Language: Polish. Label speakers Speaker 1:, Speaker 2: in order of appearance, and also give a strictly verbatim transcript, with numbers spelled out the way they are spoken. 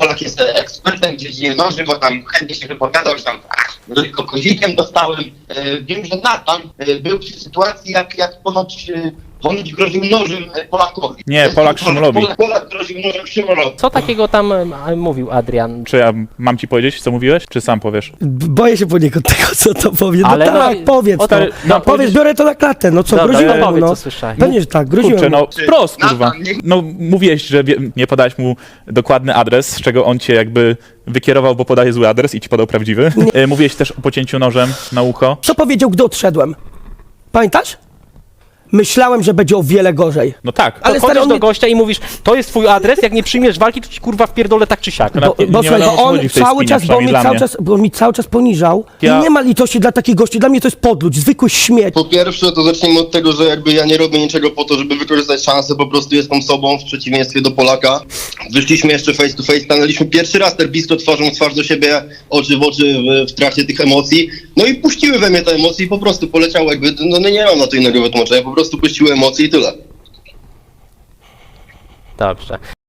Speaker 1: Polak jest ekspertem w dziedzinie noży, bo tam chętnie się wypowiadał, że tam ach, tylko kozikiem dostałem. E, wiem, że Natan e, był przy sytuacji, jak, jak ponoć, e, ponoć groził nożem e, Polakowi.
Speaker 2: Nie, Polak Szymulowi.
Speaker 1: Polak, Polak groził nożem Szymulowi.
Speaker 3: Co takiego tam e, mówił Adrian?
Speaker 2: Czy ja mam ci powiedzieć, co mówiłeś, czy sam powiesz?
Speaker 4: B- Boję się poniekąd tego, co to powie. No
Speaker 3: Ale
Speaker 4: tak,
Speaker 3: no,
Speaker 4: powiedz
Speaker 3: o,
Speaker 4: to.
Speaker 3: no,
Speaker 4: No, powiedz,
Speaker 2: powiedzieć-
Speaker 4: biorę to na klatę. No co,
Speaker 3: Dobra,
Speaker 4: groziłem
Speaker 3: no
Speaker 4: mu,
Speaker 3: powiedz,
Speaker 4: no.
Speaker 3: co słyszałeś.
Speaker 4: Pewnie, że tak, groziłem
Speaker 2: Kurczę,
Speaker 4: mu.
Speaker 2: no wprost, kurwa.
Speaker 1: Natan, nie-
Speaker 2: No mówiłeś, że wie, nie podałeś mu dokładny adres, z czego on cię jakby wykierował, bo podaje zły adres i ci podał prawdziwy. E, Mówiłeś też o pocięciu nożem na ucho.
Speaker 4: Co powiedział, gdy odszedłem? Pamiętasz? Myślałem, że będzie o wiele gorzej.
Speaker 2: No tak.
Speaker 3: Ale
Speaker 4: Ale
Speaker 3: chodzisz
Speaker 4: stary, on
Speaker 3: do
Speaker 4: nie-
Speaker 3: gościa i mówisz, to jest twój adres, jak nie przyjmiesz walki, to ci kurwa wpierdolę tak czy siak.
Speaker 2: No,
Speaker 4: Bo,
Speaker 2: nie
Speaker 4: bo, słuchaj,
Speaker 2: wiadomo,
Speaker 4: bo
Speaker 2: o co
Speaker 4: on
Speaker 2: chodzi w tej
Speaker 4: cały
Speaker 2: spinie,
Speaker 4: czas, bo on mnie
Speaker 2: przynajmniej dla
Speaker 4: cały
Speaker 2: mnie.
Speaker 4: czas, bo on mi cały czas poniżał.
Speaker 2: Ja-
Speaker 4: I nie ma litości dla takich gości. Dla mnie to jest podludź, zwykły śmieć.
Speaker 5: Po pierwsze, to zacznijmy od tego, że jakby ja nie robię niczego po to, żeby wykorzystać szansę, po prostu jestem sobą, w przeciwieństwie do Polaka. Wyszliśmy jeszcze face to face, stanęliśmy pierwszy raz tak blisko twarzą w twarz do siebie, oczy w oczy w, w trakcie tych emocji. No i puściły we mnie te emocje i po prostu poleciało jakby, no, no nie mam na to innego wytłumaczenia, po prostu puściły emocje i tyle.
Speaker 3: Dobrze.